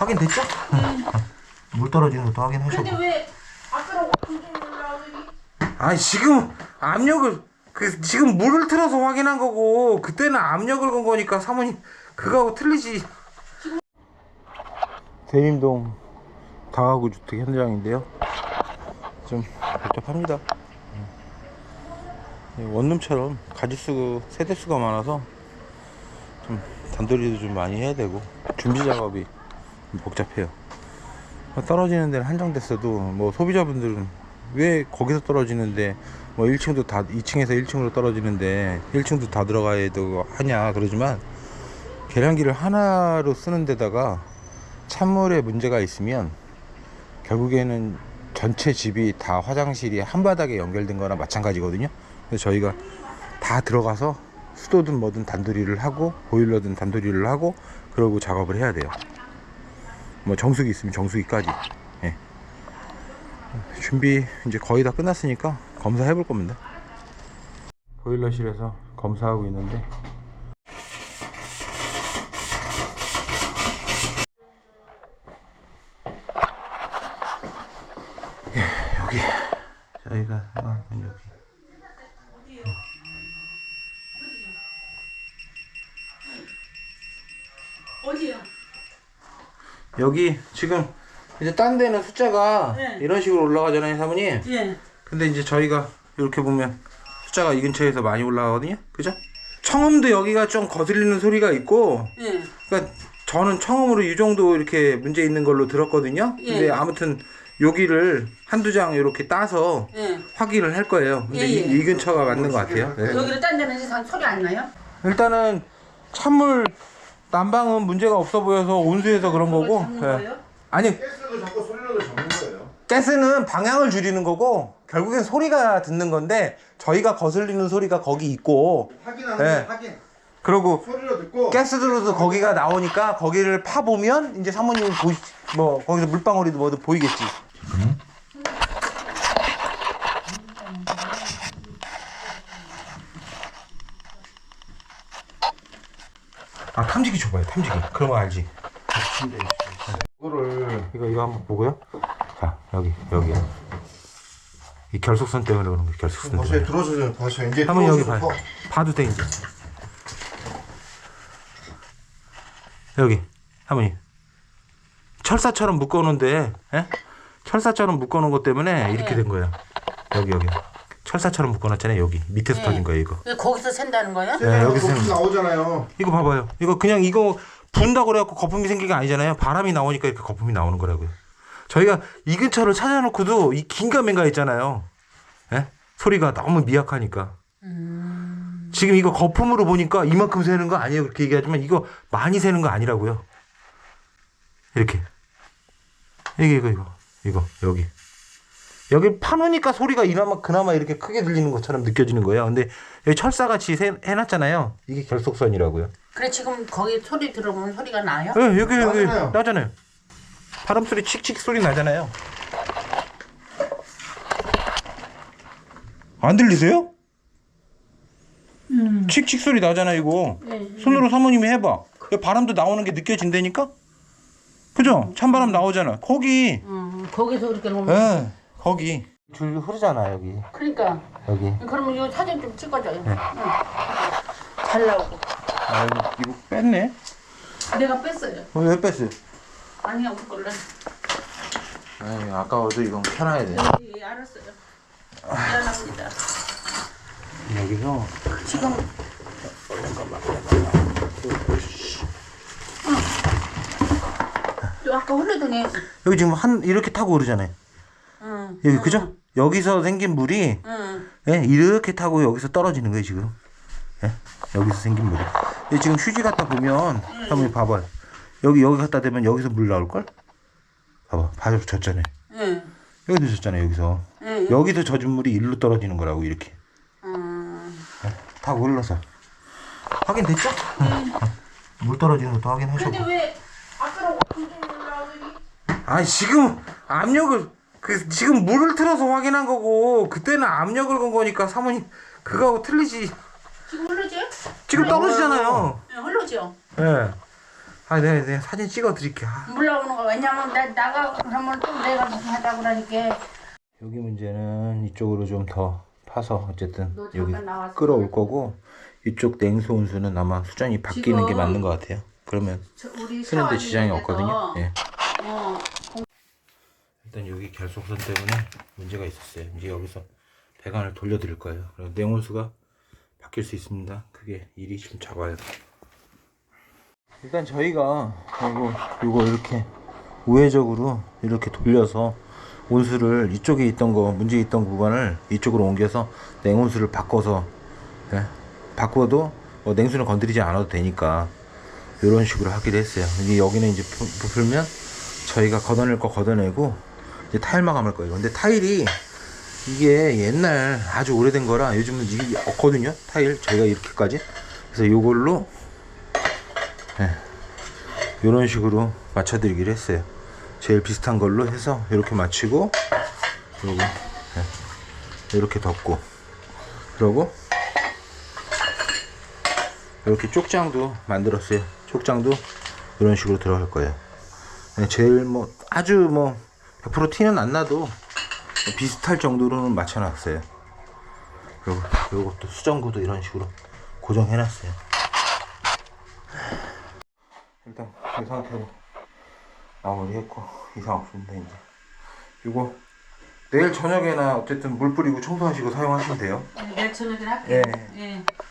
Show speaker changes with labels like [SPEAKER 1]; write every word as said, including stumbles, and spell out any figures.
[SPEAKER 1] 확인됐죠?
[SPEAKER 2] 네.
[SPEAKER 1] 물 떨어지는 것도 확인하셨고.
[SPEAKER 2] 근데 왜 아까랑 감정이 올라오더니?
[SPEAKER 1] 아니 지금 압력을 그 지금 물을 틀어서 확인한 거고 그때는 압력을 건 거니까 사모님 그거하고 틀리지. 대림동 다가구 주택 현장인데요. 좀 복잡합니다. 원룸처럼 가짓수 세대수가 많아서 좀 단돌이도 좀 많이 해야 되고 준비 작업이 복잡해요. 떨어지는 데는 한정됐어도 뭐 소비자분들은 왜 거기서 떨어지는데 뭐 일 층도 다 이 층에서 일 층으로 떨어지는데 일 층도 다 들어가야 되고 하냐 그러지만, 계량기를 하나로 쓰는 데다가 찬물에 문제가 있으면 결국에는 전체 집이 다 화장실이 한 바닥에 연결된 거나 마찬가지거든요. 그래서 저희가 다 들어가서 수도든 뭐든 단도리를 하고 보일러든 단도리를 하고 그러고 작업을 해야 돼요. 뭐 정수기 있으면 정수기까지. 예. 준비 이제 거의 다 끝났으니까 검사해 볼 겁니다. 보일러실에서 검사하고 있는데 예, 여기 저희가 아, 여기
[SPEAKER 2] 어디요?
[SPEAKER 1] 여기 지금 이제 딴 데는 숫자가
[SPEAKER 2] 네.
[SPEAKER 1] 이런 식으로 올라가잖아요, 사모님.
[SPEAKER 2] 예.
[SPEAKER 1] 근데 이제 저희가 이렇게 보면 숫자가 이 근처에서 많이 올라가거든요, 그죠? 청음도 여기가 좀 거슬리는 소리가 있고,
[SPEAKER 2] 예.
[SPEAKER 1] 그러니까 저는 청음으로 이 정도 이렇게 문제 있는 걸로 들었거든요.
[SPEAKER 2] 예.
[SPEAKER 1] 근데 아무튼 여기를 한두 장 이렇게 따서
[SPEAKER 2] 예.
[SPEAKER 1] 확인을 할 거예요. 근데
[SPEAKER 2] 예, 예.
[SPEAKER 1] 이, 이 근처가 맞는 것 같아요. 네.
[SPEAKER 2] 여기를 딴 데는 이상 소리 안 나요?
[SPEAKER 1] 일단은 찬물 난방은 문제가 없어 보여서 온수해서 그런 거고.
[SPEAKER 2] 잡는
[SPEAKER 1] 예.
[SPEAKER 2] 거예요?
[SPEAKER 1] 아니,
[SPEAKER 3] 가스도 잡고 소리라도 잡는 거예요.
[SPEAKER 1] 가스는 방향을 줄이는 거고 결국엔 소리가 듣는 건데, 저희가 거슬리는 소리가 거기 있고,
[SPEAKER 3] 확인하는
[SPEAKER 1] 네.
[SPEAKER 3] 거 확인.
[SPEAKER 1] 그리고
[SPEAKER 3] 소리로 듣고.
[SPEAKER 1] 가스 들어도 거기가 나오니까 거기를 파 보면 이제 사모님이 보시 뭐 거기서 물방울이도 뭐도 보이겠지. 응? 아, 탐지기 줘봐요, 탐지기. 그러면 알지.
[SPEAKER 3] 이거를
[SPEAKER 1] 이거 이거 한번 보고요. 자, 여기 여기 이 결속선 때문에 그런 거. 결속선
[SPEAKER 3] 다시
[SPEAKER 1] 때문에.
[SPEAKER 3] 들어주세요. 다시 이제
[SPEAKER 1] 한번 여기
[SPEAKER 3] 들어줘서
[SPEAKER 1] 봐요. 봐도 돼 이제. 여기 사모님 철사처럼 묶어놓은데, 예? 철사처럼 묶어놓은 것 때문에 이렇게 된 거예요. 여기 여기 철사처럼 묶어놨잖아요. 여기 밑에서
[SPEAKER 2] 네.
[SPEAKER 1] 터진 거예요 이거.
[SPEAKER 2] 왜 거기서 샌다는 거예요?
[SPEAKER 1] 네, 여기서
[SPEAKER 3] 거품
[SPEAKER 1] 샌-
[SPEAKER 3] 나오잖아요.
[SPEAKER 1] 이거 봐봐요. 이거 그냥 이거 분다고 그래갖고 거품이 생긴 게 아니잖아요. 바람이 나오니까 이렇게 거품이 나오는 거라고요. 저희가 이 근처를 찾아놓고도 이 긴가민가 있잖아요. 예? 소리가 너무 미약하니까.
[SPEAKER 2] 음...
[SPEAKER 1] 지금 이거 거품으로 보니까 이만큼 새는 거 아니에요, 그렇게 얘기하지만 이거 많이 새는 거 아니라고요. 이렇게 이게 이거 이거 이거 여기 여기 파놓으니까 소리가 이나마 그나마 이렇게 크게 들리는 것처럼 느껴지는 거예요. 근데 여기 철사같이 세, 해놨잖아요. 이게 결속선이라고요.
[SPEAKER 2] 그래 지금 거기 소리 들어보면 소리가 나요?
[SPEAKER 1] 네, 여기 여기
[SPEAKER 3] 나잖아요.
[SPEAKER 1] 나잖아요. 바람 소리 칙칙 소리 나잖아요. 안 들리세요?
[SPEAKER 2] 음.
[SPEAKER 1] 칙칙 소리 나잖아 이거.
[SPEAKER 2] 네.
[SPEAKER 1] 손으로 사모님이 해봐. 바람도 나오는 게 느껴진다니까? 그죠? 찬바람 나오잖아. 거기.
[SPEAKER 2] 음, 거기서 그렇게 놓으면.
[SPEAKER 1] 예, 거기. 줄 흐르잖아 여기.
[SPEAKER 2] 그러니까.
[SPEAKER 1] 여기.
[SPEAKER 2] 그러면 이거 사진 좀 찍어줘요.
[SPEAKER 1] 네.
[SPEAKER 2] 응. 잘 나오고.
[SPEAKER 1] 아 이거, 이거 뺐네.
[SPEAKER 2] 내가 뺐어요.
[SPEAKER 1] 어, 왜 뺐어요?
[SPEAKER 2] 아니야 우리 걸로.
[SPEAKER 1] 아이 아까워도 이건 펴놔야 돼.
[SPEAKER 2] 예, 알았어요. 미안합니다.
[SPEAKER 1] 여기서
[SPEAKER 2] 지금 또 아까 흘러더니
[SPEAKER 1] 여기 지금 한 이렇게 타고 오르잖아요.
[SPEAKER 2] 응.
[SPEAKER 1] 여기 그죠? 여기서 생긴 물이
[SPEAKER 2] 응.
[SPEAKER 1] 예, 이렇게 타고 여기서 떨어지는 거예요 지금. 예, 여기서 생긴 물이. 예, 지금 휴지 갖다 보면 한번 봐봐요. 여기 여기 갖다 대면 여기서 물 나올 걸? 봐봐, 바로 젖잖아요.
[SPEAKER 2] 응.
[SPEAKER 1] 여기도 젖잖아요 여기서.
[SPEAKER 2] 응.
[SPEAKER 1] 여기서 젖은 물이 일로 떨어지는 거라고 이렇게.
[SPEAKER 2] 음.
[SPEAKER 1] 예, 타고 흘러서. 확인됐죠? 응. 물 떨어지는 것도 확인하셨고.
[SPEAKER 2] 근데 왜 아까랑 감정이 올라오더니?
[SPEAKER 1] 아니 지금 압력을 그 지금 물을 틀어서 확인한 거고 그때는 압력을 건 거니까 사모님 그거하고 틀리지.
[SPEAKER 2] 지금 흘러죠?
[SPEAKER 1] 지금 떨어지잖아요.
[SPEAKER 2] 네, 흘러죠.
[SPEAKER 1] 예. 아, 내가, 내가 사진 찍어 드릴게요. 아.
[SPEAKER 2] 물 나오는 거 왜냐면 내 나가 그러면 또 내가 무슨 하자 그러니까.
[SPEAKER 1] 여기 문제는 이쪽으로 좀 더 파서 어쨌든
[SPEAKER 2] 너
[SPEAKER 1] 여기
[SPEAKER 2] 잠깐 나왔어.
[SPEAKER 1] 끌어올 거고 이쪽 냉수 온수는 아마 수전이 바뀌는 게
[SPEAKER 2] 지금
[SPEAKER 1] 맞는 것 같아요. 그러면
[SPEAKER 2] 저 우리
[SPEAKER 1] 쓰는데 지장이
[SPEAKER 2] 샤워하는
[SPEAKER 1] 없거든요.
[SPEAKER 2] 데서
[SPEAKER 1] 예.
[SPEAKER 2] 어,
[SPEAKER 1] 일단 여기 결속선 때문에 문제가 있었어요. 이제 여기서 배관을 돌려드릴 거예요. 그리고 냉온수가 바뀔 수 있습니다. 그게 일이 좀 작아요. 일단 저희가 요거, 요거 이렇게 우회적으로 이렇게 돌려서 온수를 이쪽에 있던 거 문제 있던 구간을 이쪽으로 옮겨서 냉온수를 바꿔서 예, 바꿔도 뭐 냉수는 건드리지 않아도 되니까 이런 식으로 하기로 했어요. 이제 여기는 이제 부- 부풀면 저희가 걷어낼 거 걷어내고 이제 타일 마감할 거예요. 근데 타일이 이게 옛날 아주 오래된 거라 요즘은 이게 없거든요. 타일 저희가 이렇게까지. 그래서 요걸로 예, 이런 식으로 맞춰드리기로 했어요. 제일 비슷한 걸로 해서 이렇게 맞추고 그리고 예, 이렇게 덮고 그러고 이렇게 쪽장도 만들었어요. 쪽장도 이런 식으로 들어갈 거예요. 예, 제일 뭐 아주 뭐 백 퍼센트 티는 안 나도 비슷할 정도로는 맞춰놨어요. 그리고 요것도 수정구도 이런 식으로 고정해놨어요. 일단 이 상태로 마무리했고 이상 없습니다. 이제 요거 내일 저녁에나 어쨌든 물 뿌리고 청소하시고 사용하시면 돼요.
[SPEAKER 2] 내일 저녁에 할게요.
[SPEAKER 1] 예.
[SPEAKER 2] 예.